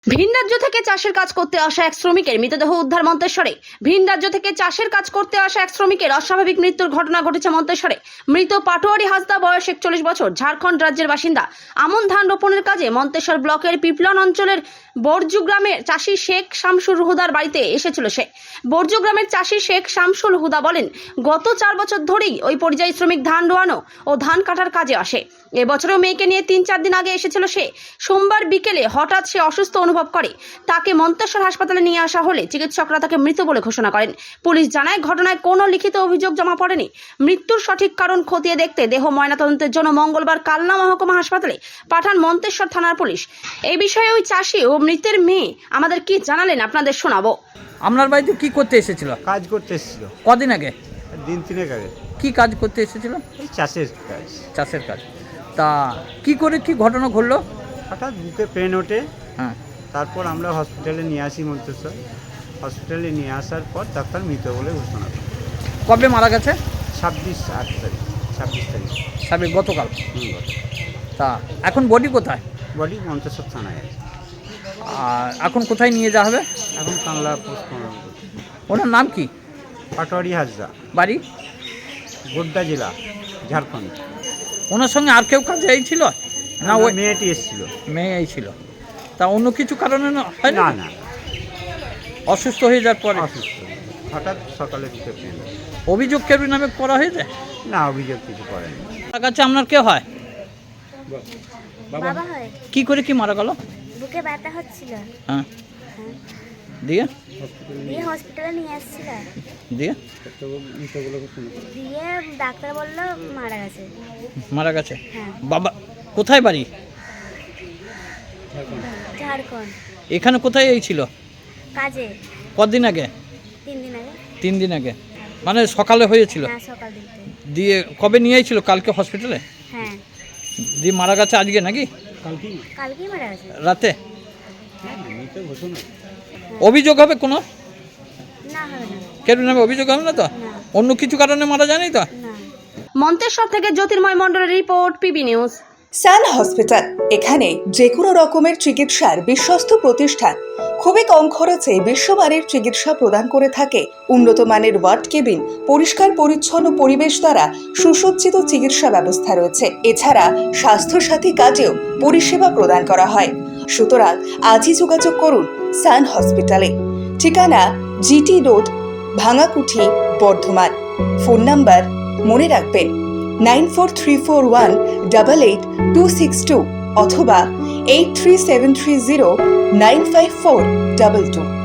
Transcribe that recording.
ভিন রাজ্য থেকে চাষের কাজ করতে আসা এক শ্রমিকের মৃতদেহ উদ্ধার মন্তেশ্বরে। ভিন রাজ্য থেকে চাষের কাজ করতে আসা এক শ্রমিকের অস্বাভাবিক মৃত্যুর ঘটনা ঘটেছে মন্তেশ্বরে। মৃত পাটোয়ারি হাসদা, বয়স 41 বছর, ঝাড়খণ্ড রাজ্যের বাসিন্দা। আমন ধান রোপণের কাজে মন্তেশ্বর ব্লকের পিপলন অঞ্চলের বর্জু গ্রামের চাষি শেখ শামসুল হুদার বাড়িতে এসেছিল সে। বর্জু গ্রামের চাষি শেখ শামসুল হুদা বলেন, গত 4 বছর ধরেই ওই পরিযায়ী শ্রমিক ধান রোয়ানো ও ধান কাটার কাজে আসে। এবছরেও মেয়েকে নিয়ে 3-4 দিন আগে এসেছিল সে। সোমবার বিকেলে হঠাৎ সে অসুস্থ অনুভব করে। তাকে মন্তেশ্বর হাসপাতালে নিয়ে আসা হলে চিকিৎসকরা তাকে মৃত বলে ঘোষণা করেন। পুলিশ জানায়, ঘটনায় কোনো লিখিত অভিযোগ জমা পড়েনি। মৃত্যুর সঠিক কারণ খতিয়ে দেখতে দেহ ময়নাতদন্তের জন্য মঙ্গলবার কালনা মহকুমা হাসপাতালে পাঠান মন্তেশ্বর থানার পুলিশ। এই বিষয়ে ওই চাষি ও মৃতের মেয়ে আমাদের কি জানালেন আপনাদের শোনাবো। আপনার বাড়িতে কি করতে এসেছিল? কাজ করতে এসেছিল কদিন আগে? দিন 3 আগে। কি কাজ করতে এসেছিল? এই চাষের কাজ। চাষের কাজ। তা কি করে কি ঘটনা ঘটলো? হঠাৎ বুকে পেন ওঠে, হ্যাঁ, তারপর আমরা হসপিটালে নিয়ে আসি মন্তেশ্বর। হসপিটালে নিয়ে আসার পর ডাক্তার মৃত বলে ঘোষণা করে। কবে মারা গেছে? 26 তারিখ। সাবে গতকাল। গত। তা এখন বডি কোথায়? বডি মন্তেশ্বর থানায় আছে। আর এখন কোথায় নিয়ে যাওয়া হবে? এখন কাংলা পোস্টমর্টম করছে। ওনার নাম কি? পাটোয়ারি হাসদা, বাড়ি? গোড্ডা জেলা, ঝাড়খণ্ড। ওনার সঙ্গে আর কেউ কাজে এই ছিল না? ওই মেয়েটি এসেছিল। মেয়ে এই ছিল। তা অন্য কিছু কারণে হয় না না? না, অসুস্থ হয়ে যাওয়ার পরে অসুস্থ। হঠাৎ সকালে বুকে পেন। অভিযোগ কেউ নামে করা হয়েছে? না, অভিযোগ কিছু করেনি। তার কাছে আপনার কে হয়? বাবা হয়। কি করে কি মারা গেল? বুকে ব্যথা হচ্ছিল, হ্যাঁ, দিয়ে দিয়ে হসপিটালে নিয়ে আসছিল। দিয়ে দিয়ে ডাক্তার বললো মারা গেছে। মারা গেছে। হ্যাঁ, বাবা কোথায় বাড়ি? ঝাড়খণ্ড। এখানে কোথায় এই ছিল? কাজে কদিন আগে? 3 দিন আগে। 3 দিন আগে, মানে সকালে হয়েছিল। হ্যাঁ, সকাল দিকতে। দিয়ে কবে নিয়ে আইছিল? কালকে হসপিটালে। হ্যাঁ, দিয়ে মারা গেছে আজকে নাকি কালকেই মারা গেছে। রাতে? অভিযোগ হবে কোনো? না, হবে না। কেউ নামে অভিযোগ হবে না তো? না। অন্য কিছু কারণে মারা যায়নি তো? না। মন্তেশ্বর থেকে জ্যোতির্ময় মণ্ডলের report, PB news. Sun hospital, এখানে যে কোনো রকমের চিকিৎসার বিশ্বস্ত প্রতিষ্ঠান। খুবই কম খরচে বিশ্বমানের চিকিৎসা প্রদান করে থাকে। উন্নত মানের ওয়ার্ড কেবিন, পরিষ্কার পরিচ্ছন্ন পরিবেশ দ্বারা সুসজ্জিত চিকিৎসা ব্যবস্থা রয়েছে। এছাড়া স্বাস্থ্যসাথী কাজেও পরিষেবা প্রদান করা হয়। সুতরাং আজই যোগাযোগ করুন সান হসপিটালে। ঠিকানা GT road, Bhangakuthi, Bardhaman. Phone number মনে রাখবেন 9434188262 অথবা 83730954222।